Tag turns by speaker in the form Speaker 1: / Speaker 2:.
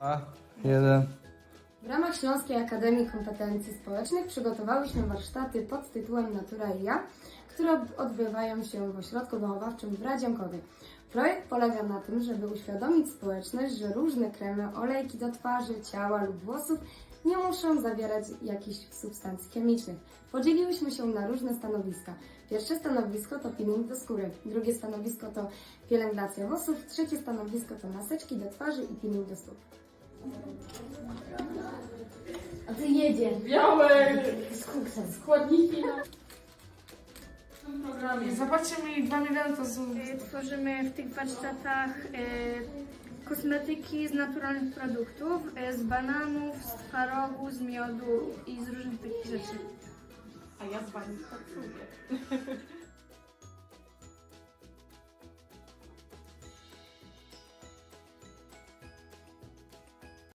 Speaker 1: Jeden.
Speaker 2: W ramach Śląskiej Akademii Kompetencji Społecznych przygotowałyśmy warsztaty pod tytułem Natura i ja, które odbywają się w ośrodku wychowawczym w Radziankowie. Projekt polega na tym, żeby uświadomić społeczność, że różne kremy, olejki do twarzy, ciała lub włosów nie muszą zawierać jakichś substancji chemicznych. Podzieliłyśmy się na różne stanowiska. Pierwsze stanowisko to peeling do skóry, drugie stanowisko to pielęgnacja włosów, trzecie stanowisko to maseczki do twarzy i peeling do stóp.
Speaker 3: A ty jedziesz.
Speaker 4: Białe
Speaker 3: Z kuksem.
Speaker 4: składniki w tym programie.
Speaker 5: Zobaczcie mi 2 miliony to są...
Speaker 6: Tworzymy w tych warsztatach kosmetyki z naturalnych produktów, z bananów, z twarogu, z miodu i z różnych takich rzeczy.
Speaker 4: A ja z wami pracuję.